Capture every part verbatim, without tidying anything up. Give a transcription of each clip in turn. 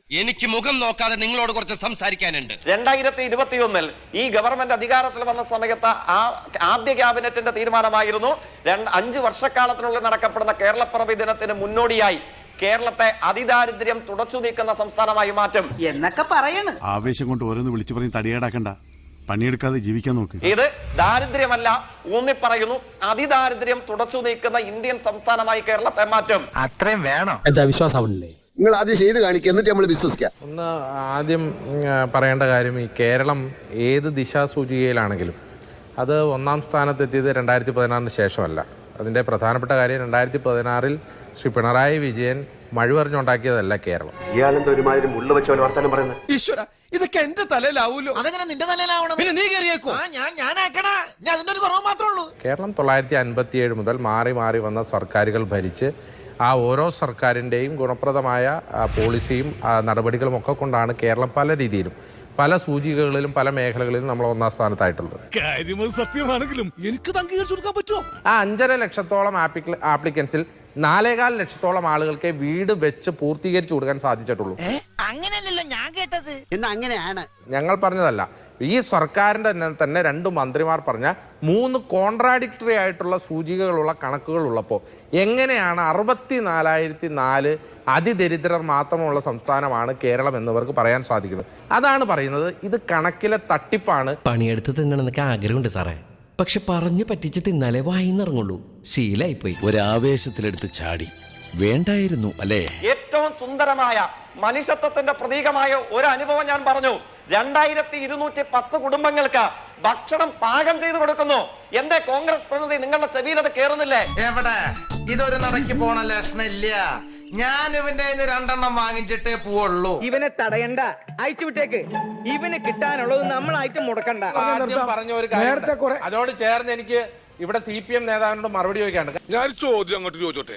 എനിക്ക് മുഖം നോക്കാതെ നിങ്ങളോട് കുറച്ച് സംസാരിക്കാനുണ്ട്. രണ്ടായിരത്തി ഇരുപത്തി ഒന്നിൽ ഈ ഗവൺമെന്റ് അധികാരത്തിൽ വന്ന സമയത്ത് ആ ആദ്യ ക്യാബിനറ്റിന്റെ തീരുമാനമായിരുന്നു അഞ്ച് വർഷക്കാലത്തിനുള്ളിൽ നടക്കപ്പെടുന്ന കേരളപ്പിറവി ദിനത്തിന് മുന്നോടിയായി കേരളത്തെ അതിദാരിദ്ര്യം തുടച്ചു നീക്കുന്ന സംസ്ഥാനമായി മാറ്റും എന്നൊക്കെ പറയണ്. ആവേശം കൊണ്ട് ഓരോന്ന് വിളിച്ചു പറഞ്ഞ് തടിയേടാക്കണ്ട, പണിയെടുക്കാതെ ജീവിക്കാൻ നോക്ക്. ഇത് ദാരിദ്ര്യമല്ല, ഊന്നി പറയുന്നു, അതിദാരിദ്ര്യം തുടച്ചു നീക്കുന്ന ഇന്ത്യൻ സംസ്ഥാനമായി കേരളത്തെ മാറ്റും. അത്രയും വേണം. എന്താ വിശ്വാസമാവില്ലേ? നിങ്ങൾ ആദ്യം ചെയ്ത് കാണിക്കുക, എന്നിട്ട് നമ്മൾ വിശ്വസിക്കാം. ഒന്ന് ആദ്യം പറയേണ്ട കാര്യം, ഈ കേരളം ഏത് ദിശാസൂചികയിലാണെങ്കിലും അത് ഒന്നാം സ്ഥാനത്തെത്തിയത് രണ്ടായിരത്തി പതിനാറിന് ശേഷമല്ല. അതിൻ്റെ പ്രധാനപ്പെട്ട കാര്യം, രണ്ടായിരത്തി പതിനാറിൽ ശ്രീ പിണറായി വിജയൻ മഴുവറിഞ്ഞുണ്ടാക്കിയതല്ല കേരളം. ഇയാളെന്താ ഒരുമാതിരി മുള്ള വെച്ച പോലെ വർത്താനം പറയുന്നത്? ഈശ്വര, ഇതൊക്കെ എന്റെ തലയിലാവൂലോ. അതെങ്ങനെ നിന്റെ തലയിലാവണം? പിന്നെ നീ കയറിയേക്കോ? ഞാൻ ഞാനാക്കണ ഞാൻ അതിന്റെ ഒരു കുറവ് മാത്രമേ ഉള്ളൂ. കേരളം തൊള്ളായിരത്തി അൻപത്തി ഏഴ് മുതൽ മാറി മാറി വന്ന സർക്കാരുകൾ ഭരിച്ച് ആ ഓരോ സർക്കാരിൻ്റെയും ഗുണപ്രദമായ പോളിസിയും നടപടികളും ഒക്കെ കൊണ്ടാണ് കേരളം പല രീതിയിലും പല സൂചികകളിലും പല മേഖലകളിലും നമ്മൾ ഒന്നാം സ്ഥാനത്തായിട്ടുള്ളത്. സത്യമാണെങ്കിലും എനിക്ക് അംഗീകരിച്ചു കൊടുക്കാൻ പറ്റുമോ? ആ അഞ്ചര ലക്ഷത്തോളം ആപ്ലിക്കൻസിൽ നാലേകാൽ ലക്ഷത്തോളം ആളുകൾക്ക് വീട് വെച്ച് പൂർത്തീകരിച്ചു കൊടുക്കാൻ സാധിച്ചിട്ടുള്ളൂ. അങ്ങനെയല്ലല്ലോ ഞാൻ കേട്ടത്. എന്നാ അങ്ങനെയാണ് ഞങ്ങൾ പറഞ്ഞതല്ല, ഈ സർക്കാരിന്റെ തന്നെ രണ്ട് മന്ത്രിമാർ പറഞ്ഞ മൂന്ന് കോൺട്രാഡിക്ടറി ആയിട്ടുള്ള സൂചികകളുള്ള കണക്കുകൾ ഉള്ളപ്പോൾ എങ്ങനെയാണ് അറുപത്തി നാലായിരത്തി നാല് അതിദരിദ്രർ മാത്രമുള്ള സംസ്ഥാനമാണ് കേരളം എന്നിവർക്ക് പറയാൻ സാധിക്കുന്നത്? അതാണ് പറയുന്നത്, ഇത് കണക്കിലെ തട്ടിപ്പാണ്. പണിയെടുത്ത് തിന്നണമെന്നൊക്കെ ആഗ്രഹമുണ്ട് സാറേ, പക്ഷെ പറഞ്ഞു പറ്റിച്ച് തിന്നാലേ വായിന്നിറങ്ങുള്ളൂ. ശീലായിപ്പോയി. ഒരാവേശത്തിലെടുത്ത് ചാടി വേണ്ടായിരുന്നു അല്ലേ? ഏറ്റവും സുന്ദരമായ മനുഷ്യത്വത്തിന്റെ പ്രതീകമായ ഒരു അനുഭവം ഞാൻ പറഞ്ഞു. രണ്ടായിരത്തി ഇരുന്നൂറ്റി പത്ത് കുടുംബങ്ങൾക്ക് ഭക്ഷണം പാകം ചെയ്ത് കൊടുക്കുന്നു. എന്തേ കോൺഗ്രസ് പ്രതിനിധി നിങ്ങളുടെ ചെവിയിൽ അത് കേറുന്നില്ലേ? എവിടെ ഇതൊരു നടക്കി പോണ ലക്ഷണില്ല. ഞാൻ ഇവന്റെ രണ്ടെണ്ണം വാങ്ങിച്ചിട്ടേ പോവുള്ളൂ. ഇവനെ തടയണ്ട, അയച്ചു വിട്ടേക്ക്. ഇവന് കിട്ടാനുള്ളത് നമ്മളായിട്ട് മുടക്കണ്ട. ആദ്യം പറഞ്ഞ ഒരു കാര്യം, അതോട് ചേർന്ന് എനിക്ക് ഇവിടെ സി പി എം നേതാവിനോട് മറുപടി ചോദിക്കാണ്ട്. ഞാൻ ചോദ്യം അങ്ങോട്ട് ചോദിച്ചോട്ടെ?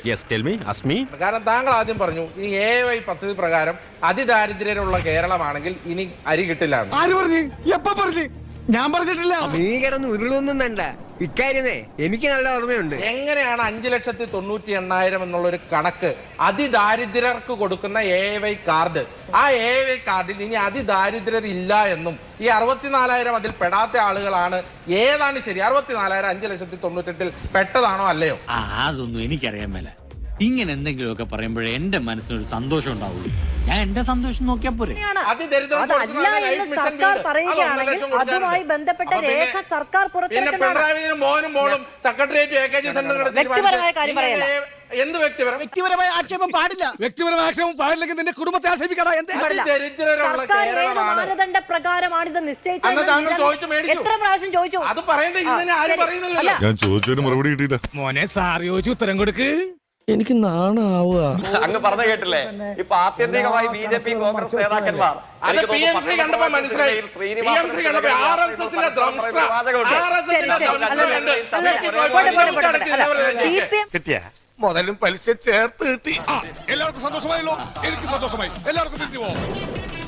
കാരണം താങ്കൾ ആദ്യം പറഞ്ഞു ഈ എ വൈ പദ്ധതി പ്രകാരം അതിദാരിദ്ര്യരുള്ള കേരളമാണെങ്കിൽ ഇനി അരി കിട്ടില്ല. ആര് പറഞ്ഞു? എപ്പ പറഞ്ഞു? ഞാൻ പറഞ്ഞിട്ടില്ല. നീ കിടന്ന് ഉരുളൊന്നും വേണ്ട, ഇക്കാര്യമേ എനിക്ക് നല്ല ഓർമ്മയുണ്ട്. എങ്ങനെയാണ് അഞ്ചു ലക്ഷത്തി തൊണ്ണൂറ്റി എണ്ണായിരം എന്നുള്ളൊരു കണക്ക് അതിദാരിദ്ര്യർക്ക് കൊടുക്കുന്ന എ വൈ കാർഡ്, ആ എ വൈ കാർഡിൽ ഇനി അതിദാരിദ്ര്യർ ഇല്ല എന്നും ഈ അറുപത്തിനാലായിരം അതിൽ പെടാത്ത ആളുകളാണ്, ഏതാണ് ശരി? അറുപത്തിനാലായിരം അഞ്ചു ലക്ഷത്തി തൊണ്ണൂറ്റെട്ടിൽ പെട്ടതാണോ അല്ലയോ? അതൊന്നും എനിക്കറിയാൻ മേല. ഇങ്ങനെ എന്തെങ്കിലുമൊക്കെ പറയുമ്പോഴേ എന്റെ മനസ്സിനൊരു സന്തോഷം ഉണ്ടാവുള്ളൂ. ഞാൻ എന്റെ സന്തോഷം നോക്കിയാ പോരെ. അതുമായി ബന്ധപ്പെട്ട രേഖ സർക്കാർ പിണറായിയും മോനും മോളും സെക്രട്ടേറിയറ്റ് എ കെ ജി എന്ത് വ്യക്തിപരം വ്യക്തിപരമായ ആക്ഷേപം പാടില്ല. വ്യക്തിപരമായ ആക്ഷേപം പാടില്ലെങ്കിൽ നിന്റെ കുടുംബത്തെ ആക്ഷേപിക്കടാ. ദരിദ്രരുള്ള കേരളമാണ് മാനദണ്ഡ പ്രകാരമാണ് ഇത് നിശ്ചയിച്ചത്. എത്ര പ്രാവശ്യം ചോദിച്ചു? അത് പറയേണ്ട ഇതിനെ ആരും പറയുന്നില്ലല്ലോ. ഞാൻ ചോദിച്ചതിന് മറുപടി കിട്ടിയില്ല. മോനെ സാർ ചോദിച്ചു ഉത്തരം കൊടുക്ക്. എനിക്ക് നാണാവുക. അങ്ങ് പറഞ്ഞു കേട്ടില്ലേ? ഇപ്പൊ ആത്യന്തികമായി ബി ജെ പി കോൺഗ്രസ് നേതാക്കന്മാർ കണ്ടപ്പോ മനസ്സിലായി. മുതലും പലിശ ചേർത്ത് കിട്ടി. എല്ലാവർക്കും സന്തോഷമായല്ലോ? എനിക്ക് സന്തോഷമായി. എല്ലാവർക്കും തിരിച്ചു പോവാം.